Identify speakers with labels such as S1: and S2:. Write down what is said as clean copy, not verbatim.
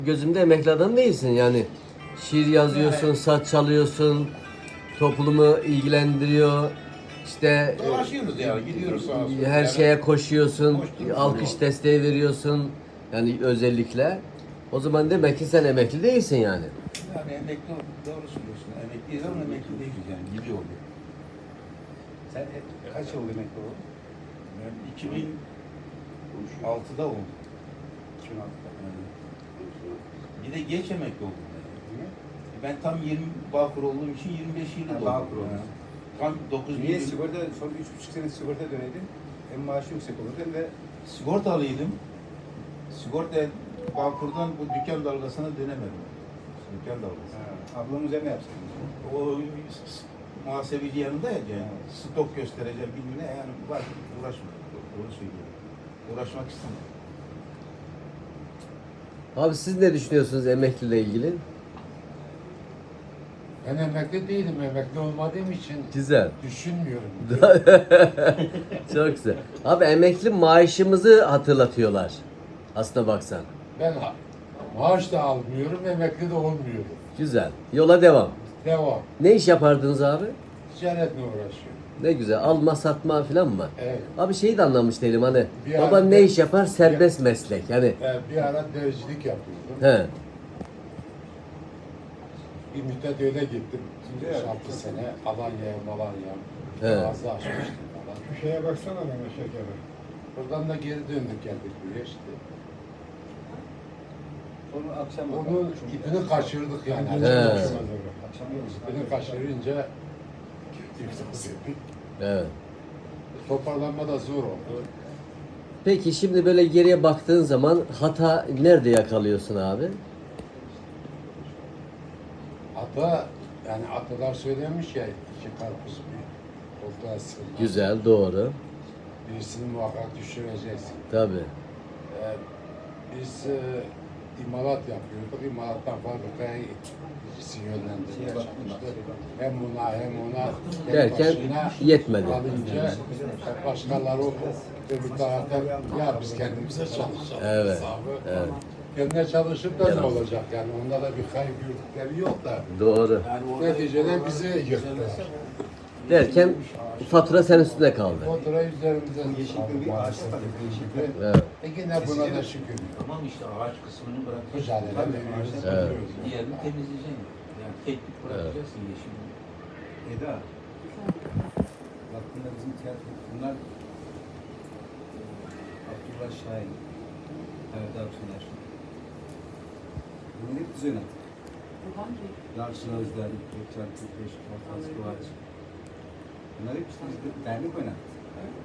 S1: Gözümde emekli adam değilsin yani. Şiir yazıyorsun, saz çalıyorsun, toplumu ilgilendiriyor. İşte
S2: Dolaşıyoruz yani, gidiyoruz sağa sola.
S1: her
S2: Yani
S1: şeye koşuyorsun,
S2: koşturuyoruz.
S1: alkış desteği veriyorsun. Yani özellikle. O zaman demek ki sen emekli değilsin yani.
S2: Yani emekli doğru söylüyorsun. Emekliyiz ama emekli değiliz yani. Gibi oldu.
S3: Sen kaç yıl emekli oldun?
S2: Ben 2006'da oldum.
S3: 2006'da.
S2: Bir de geç emekli oldum.
S3: Niye?
S2: Ben tam 20 Bağkur olduğum için 25 yıl
S3: Ha,
S2: oldum.
S3: Bağkur oldun.
S2: Tam 9
S3: Niye
S2: yıl
S3: sigorta, son 3,5 sene sigorta döneydin? Hem maaşı yüksek olurdu hem de
S2: sigortalıydım. Sigorta Bağkur'dan bu dükkan dalgasına dönemedim. Dükkan dalgası.
S3: ablamın üzerine yapsaydın.
S2: O muhasebeci yanındaydı yani. Stok göstereceğim bilmem ne yani var uğraşma. Doğru söylüyorum. Uğraşmak istemedim.
S1: Abi siz ne düşünüyorsunuz emekliyle ilgili?
S4: Ben emekli değilim. Emekli olmadığım için
S1: Güzel.
S4: düşünmüyorum.
S1: Çok güzel. Abi emekli maaşımızı hatırlatıyorlar. Aslına baksan.
S4: Ben maaş da almıyorum, emekli de olmuyorum.
S1: Güzel. Yola devam.
S4: Devam.
S1: Ne iş yapardınız abi?
S4: Ticaretle uğraşıyorum.
S1: Ne güzel. Alma satma falan mı?
S4: Evet.
S1: Abi şeyi de anlamış değilim hani.
S4: Bir
S1: Baban
S4: ara-
S1: ne iş yapar? Serbest meslek. Yani
S4: Bir ara dericilik yapıyordum.
S1: he.
S4: Bir müddet öyle gittim.
S3: Şimdi
S4: 6 sene Alanya'ya, Malanya'ya.
S1: Evet.
S4: Fazla açmıştım falan.
S5: Şu şeye baksana bana şekere.
S4: Buradan da geri döndük geldik buraya işte.
S3: Sonra akşam
S4: Onun ipini kaçırdık yani.
S1: He.
S3: Akşam yiyoruz.
S4: İpini kaçırınca iflas ettik.
S1: Evet.
S4: Toparlanma da zor oldu.
S1: Peki şimdi böyle geriye baktığın zaman hata nerede yakalıyorsun abi?
S4: Ata, yani atalar söylemiş ya, iki karpuz bir koltuğa sığmaz.
S1: Güzel, doğru.
S4: Birisini muhakkak düşüreceksin.
S1: Tabii.
S4: Biz imalat yapıyorduk. İmalattan fabrikaya birisi yönlendirmeye çalıştı. Hem buna hem ona tek
S1: Derken
S4: başına
S1: yetmedi.
S4: kalınca başkaları öbür tarafta ya biz kendimize çalışalım.
S1: Evet,
S4: hesabı.
S1: evet.
S4: Kendine çalışıp da ne
S1: Evet.
S4: olacak yani? Onda da bir kayıp yürütükleri yok da.
S1: Doğru.
S4: Neticede bizi yıktılar.
S1: Derken fatura senin üstüne kaldı.
S4: Fatura üzerimize
S3: Yeşilköy bir ağaçta tabii. Yeşilköy.
S1: Evet.
S4: Yine buna da şükür.
S2: Tamam işte ağaç kısmını bırakıyorsun.
S4: Mücadele veriyoruz.
S1: Evet.
S2: Diğerini temizleyeceksin. Yani teknik bırakacaksın yeşil.
S3: Eda. Bak bunlar bizim tiyatro. Bunlar Abdullah Şahin. Erdal Tüner. Bunlar hep biz oynattık. Yalçın Özden, Gökçen Türkbeş, Korkaz Kıvaç. Bunlar hep işte biz dernek oynattık.